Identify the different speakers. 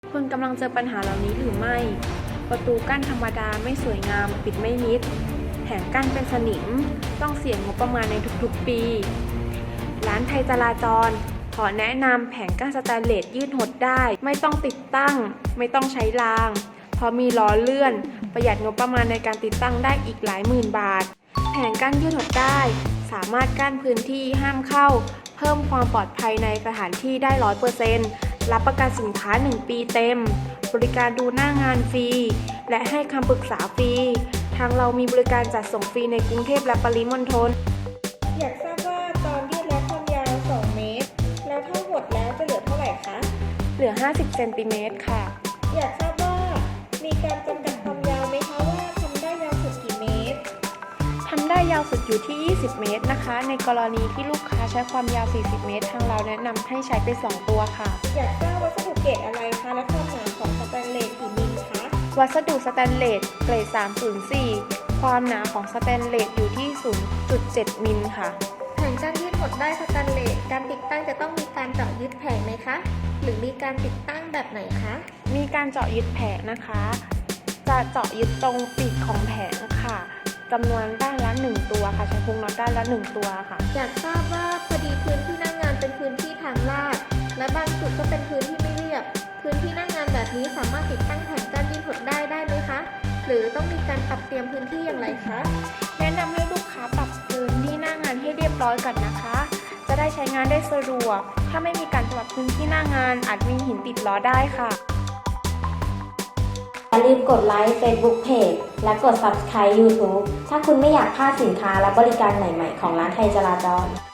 Speaker 1: คุณกำลังเจอปัญหาเหล่านี้หรือไม่ ประตูกั้นธรรมดาไม่สวยงามปิดไม่มิดแผงกั้นเป็นสนิมต้องเสียงบประมาณในทุกๆปี ร้านไทยจราจรขอแนะนำแผงกั้นสแตนเลสยืดหดได้ไม่ต้องติดตั้งไม่ต้องใช้รางเพราะมีล้อเลื่อนประหยัดงบประมาณในการติดตั้งได้อีกหลายหมื่นบาทแผงกั้นยืดหดได้สามารถกั้นพื้นที่ห้ามเข้าเพิ่มความปลอดภัยในสถานที่ได้ 100%รับประกันสินค้า1 ปีเต็มบริการดูหน้างานฟรีและให้คำปรึกษาฟรีทางเรามีบริการจัดส่งฟรีในกรุงเทพและปริมณฑล
Speaker 2: อยากทราบว่าตอนยืดและความยาว 2 เมตร แล้วถ้าหดแล้วจะเหลือเท่าไหร่คะ
Speaker 1: เหลือ 50 เซนติเมตรค่ะ
Speaker 2: อยากทราบว่ามีการจำกัดความยาวไหมคะว่าทำได้ยาวสุดกี่เมตร
Speaker 1: ทำได้ยาวสุดอยู่ที่ 20 เมตรนะคะ ในกรณีที่ลูกค้าใช้ความยาว 40 เมตร ทางเราแนะนำให้ใช้ไป 2 ตัวค่ะ
Speaker 2: อยากทราบวัสดุเกรดอะไรคะและความหนาของสแตนเลสกี่มิลคะ
Speaker 1: วัสดุสแตนเลสเกรด 304 ความหนาของสแตนเลสอยู่ที่ 0.7 มิลค่ะ
Speaker 2: แผงกั้นยืดหดได้สแตนเลสการติดตั้งจะต้องมีการเจาะยึดแผงไหมคะ หรือมีการติดตั้งแบบไหนคะ
Speaker 1: มีการเจาะยึดแผงนะคะ จะเจาะยึดตรงปีกของแผงค่ะจำนวนด้านละ 1 ตัวค่ะ ใช้พุงน็อตด้านละ 1 ตัวค่ะ
Speaker 2: อยากทราบว่าพอดีพื้นที่หน้างานเป็นพื้นที่ทางลาดและบางจุดก็เป็นพื้นที่ไม่เรียบ พื้นที่หน้างานแบบนี้สามารถติดตั้งแผงกั้นยืดหดได้ไหมคะ หรือต้องมีการปรับเตรียมพื้นที่อย่างไรคะ
Speaker 1: แนะนำให้ลูกค้าปรับพื้นที่หน้างานให้เรียบร้อยก่อนนะคะ จะได้ใช้งานได้สะดวก ถ้าไม่มีการปรับพื้นที่หน้างานอาจมีหินติดล้อได้ค่ะ
Speaker 3: อย่าลืมกดไลค์ Facebook Page และกด Subscribe YouTube ถ้าคุณไม่อยากพลาดสินค้าและบริการใหม่ๆของร้านไทยจราจร